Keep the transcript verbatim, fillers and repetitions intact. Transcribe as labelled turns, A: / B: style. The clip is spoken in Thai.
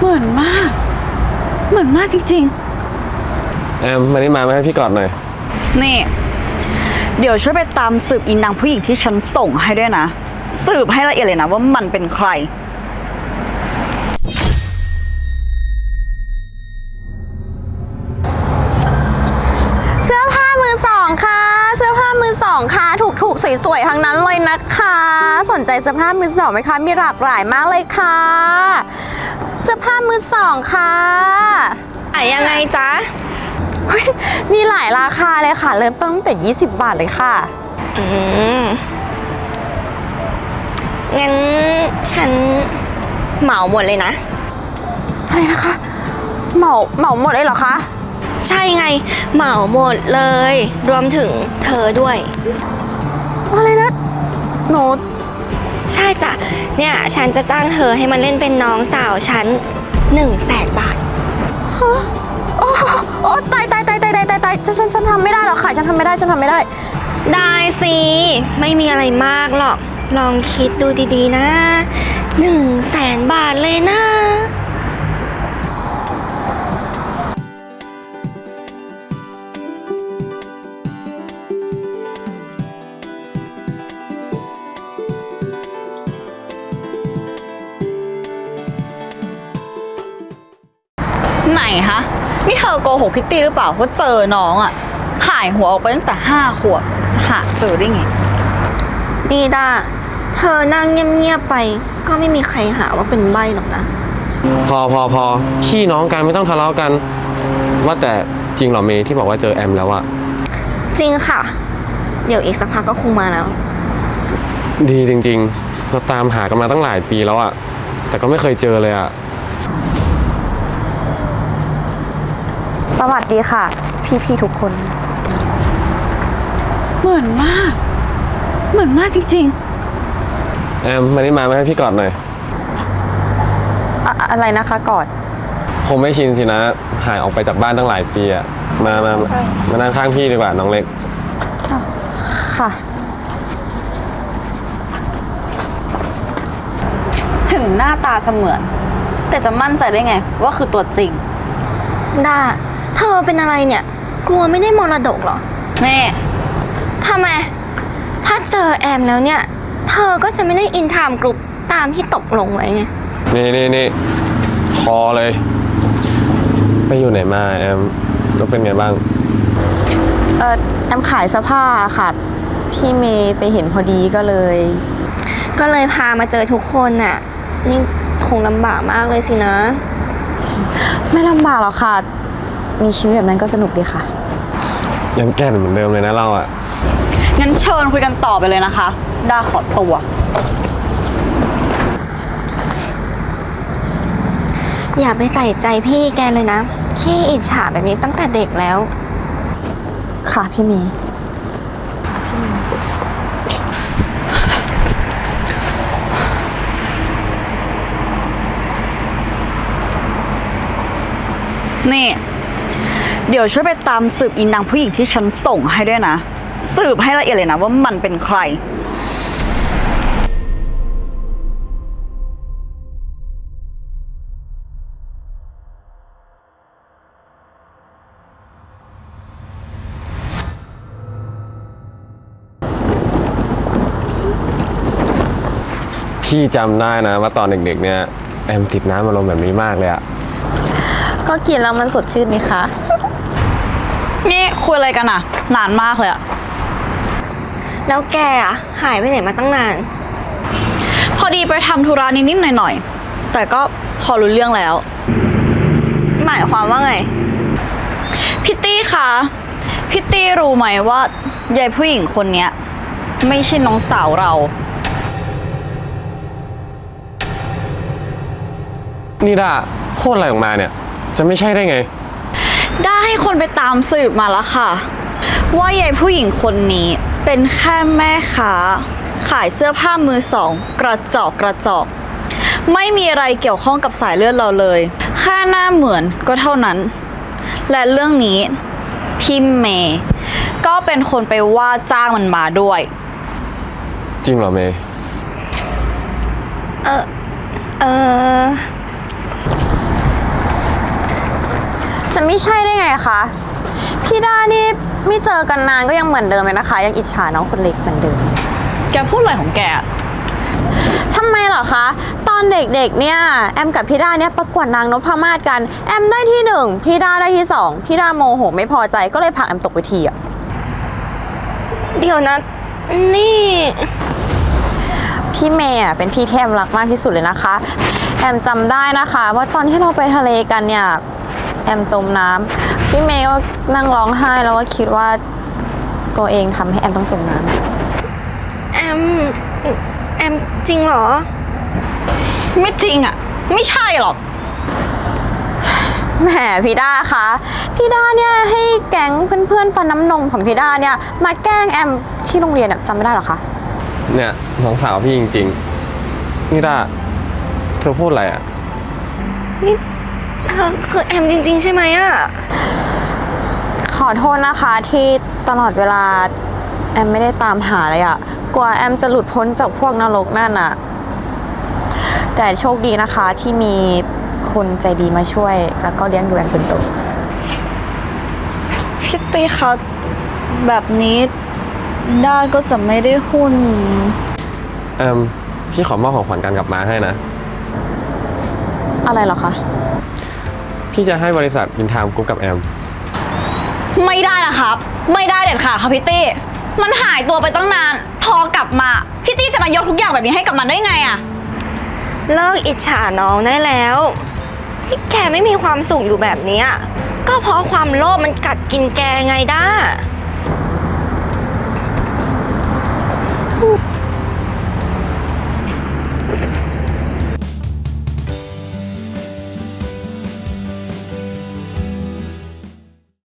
A: เหมือนมากเหมือนมากจริง
B: แอมมานี่มาไม่ให้พี่กอดหน่อย
A: ๆนี่เดี๋ยวช่วยไปตามสืบอินนางผู้หญิงที่ฉันส่งให้ด้วยนะสืบให้ละเอียดเลยนะว่ามันเป็นใคร
C: เสื้อผ้ามือสองค่ะเสื้อผ้ามือสองค่ะถูกๆสวยๆทั้งนั้นเลยนะคะสนใจเสื้อผ้ามือสองไหมคะมีหลากหลายมากเลยค่ะเสื้อผ้ามือสองค่ะขายยังไงจ๊ะมีหลายราคาเลยค่ะเริ่มต้นตั้งแต่ยี่สิบบาทเลยค่ะอืมงั้นฉันเหมาหมดเลยนะอะไรนะคะเหมาเหมาหมดเลยเหรอคะใช่ไงเหมาหมดเลยรวมถึงเธอด้วยอะไรนะหนูใช่จ้ะเนี่ยฉันจะจ้างเธอให้มันเล่นเป็นน้องสาวฉันหนึ่งแสนบาทฮะโอ้โอ้ตายตายตายตายตายตายตายฉันฉันฉันทำไม่ได้หรอกค่ะฉันทำไม่ได้ฉันทำไม่ได้ได้สิไม่มีอะไรมากหรอกลองคิดดูดีๆนะหนึ่งแสนบาทเลยนะ
A: ไหนฮะนี่เธอโกหกพิตตี้หรือเปล่าว่าเจอน้องอ่ะหายหัวออกไปตั้งแต่ห้าขวบจะหาเจอได้ไง
C: ดีด้าเธอนั่งเงียบๆไปก็ไม่มีใครหาว่าเป็นใบ้หรอกนะ
B: พอพอพอพี่น้องกันไม่ต้องทะเลาะกันว่าแต่จริงเหรอเมย์ที่บอกว่าเจอแอมแล้วอะ
C: จริงค่ะเดี๋ยวอีกสักพักก็คงมาแล้ว
B: ดีจริงๆเราตามหากันมาตั้งหลายปีแล้วอะแต่ก็ไม่เคยเจอเลยอะ
C: สวัสดีค่ะพี่ๆทุกคน
A: เหมือนมากเหมือนมากจริง
B: ๆแอมมานี่มาไม่ให้พี่กอดหน่อย
C: อะอะไรนะคะกอด
B: คงไม่ชินสินะหายออกไปจากบ้านตั้งหลายปีอะมามามานั่งข้างพี่ดีกว่าน้องเล็ก
C: ค่ะ
A: ถึงหน้าตาเสมือนแต่จะมั่นใจได้ไงว่าคือตัวจริง
C: ด้าเธอเป็นอะไรเนี่ยกลัวไม่ได้มรดกเหรอ
A: แน่
C: ทำไมถ้าเจอแอมแล้วเนี่ยเธอก็จะไม่ได้อินไทม์กรุ๊ปตามที่ตกลงไว้ไง
B: นี่นี่นี่พอเลยไปอยู่ไหนมาแอมแล้วเป็นไงบ้าง
C: เออแอมขายเสื้อผ้าค่ะพี่เมย์ไปเห็นพอดีก็เลยก็เลยพามาเจอทุกคนน่ะนี่คงลำบากมากเลยสินะไม่ลำบากหรอกค่ะมีชีวิตแบบนั้นก็สนุกดีค่ะ
B: ยังแก่นเหมือนเดิมเลยนะเราอ่ะ
A: งั้นเชิญคุยกันต่อไปเลยนะคะด้าขอตัว
C: อย่าไปใส่ใจพี่แกเลยนะขี้อิจฉาแบบนี้ตั้งแต่เด็กแล้วค่ะพี่เมย์
A: นี่เดี๋ยวช่วยไปตามสืบอินนางผู้หญิงที่ฉันส่งให้ด้วยนะสืบให้ละเอียดเลยนะว่ามันเป็นใคร
B: พี่จำได้นะว่าตอนเด็กๆเนี่ยแอมติดน้ำอารมณ์แบบนี้มากเลยอะ
C: ก็กินแล้วมันสดชื่นไหมคะ
A: นี่คุยอะไรกันอะนานมากเลยอะ
C: แล้วแกอะหายไปไหนมาตั้งนาน
A: พอดีไปทำธุระนิดๆหน่อยๆแต่ก็พอรู้เรื่องแล้ว
C: หมายความว่าไง
A: พิตตี้คะพิตตี้รู้ไหมว่ายายผู้หญิงคนนี้ไม่ใช่น้องสาวเรา
B: นี่ด้าโคตรอะไรออกมาเนี่ยจะไม่ใช่ได้ไง
A: ได้ให้คนไปตามสืบมาแล้วค่ะว่ายายผู้หญิงคนนี้เป็นแค่แม่ค้าขายเสื้อผ้ามือสองกระจอกกระจอกไม่มีอะไรเกี่ยวข้องกับสายเลือดเราเลยแค่หน้าเหมือนก็เท่านั้นและเรื่องนี้พี่เมย์ก็เป็นคนไปว่าจ้างมันมาด้วย
B: จริงเหรอเมย์
C: เออเออไม่ใช่ได้ไงคะพี่ด้านี่ไม่เจอกันนานก็ยังเหมือนเดิมเลยนะคะ ยังอิจฉาน้องคนเล็กเหมือนเดิม
A: แกพูดอะไรของแก
C: ทำไมเหรอคะ ตอนเด็กๆเนี่ยแอมกับพี่ด้าเนี่ยประกวดนางนพมาศกันแอมได้ที่หนึ่งพี่ด้าได้ที่สองพี่ด้าโมโหไม่พอใจก็เลยผลักแอมตกเวทีอะ
D: เดี๋ยวนะ นี่
C: พี่เมย์อะเป็นพี่ที่แอมรักมากที่สุดเลยนะคะ แอมจำได้นะคะว่าตอนที่เราไปทะเลกันเนี่ยแอมจมน้ำพี่เมย์ก็นั่งร้องไห้แล้วก็คิดว่าตัวเองทำให้แอมต้องจมน้ำ
D: แอม แอมจริงเหรอ
A: ไม่จริงอ่ะ ไม่ใช่หรอก
C: แหมพี่ด้าคะพี่ด้าเนี่ยให้แก๊งเพื่อนๆฟันน้ำนมของพี่ด้าเนี่ยมาแกล้งแอมที่โรงเรียนอะจำไม่ได้หรอคะ
B: เนี่ยน้องสาวพี่จริงๆนี่ด้าเธอพูดอะไรอ่ะ
D: นี่เธอคือแอมจริง ๆ ใช่ไหมอะ
C: ขอโทษนะคะที่ตลอดเวลาแอมไม่ได้ตามหาเลยอะกว่าแอมจะหลุดพ้นจากพวกนรกนั่นอะแต่โชคดีนะคะที่มีคนใจดีมาช่วย แล้วก็เลี้ยงดูแอมจนโต
A: พี่ตีคะแบบนี้ด้าก็จะไม่ได้หุ้น
B: เอิมพี่ขอมอบของขวัญกันกลับมาให้นะ
C: อะไรเหรอคะ
B: พี่จะให้บริษัทบินทามกรุ๊ปกับแอม
A: ไม่ได้นะครับ ไม่ได้เด็ดขาดค่ะพี่ตี้มันหายตัวไปตั้งนาน พอกลับมาพี่ตี้จะมายกทุกอย่างแบบนี้ให้กับมันได้ไงอะ
D: เลิกอิจฉาน้องได้แล้ว ที่แกไม่มีความสุขอยู่แบบเนี้ยก็เพราะความโลภมันกัดกินแกไงด้า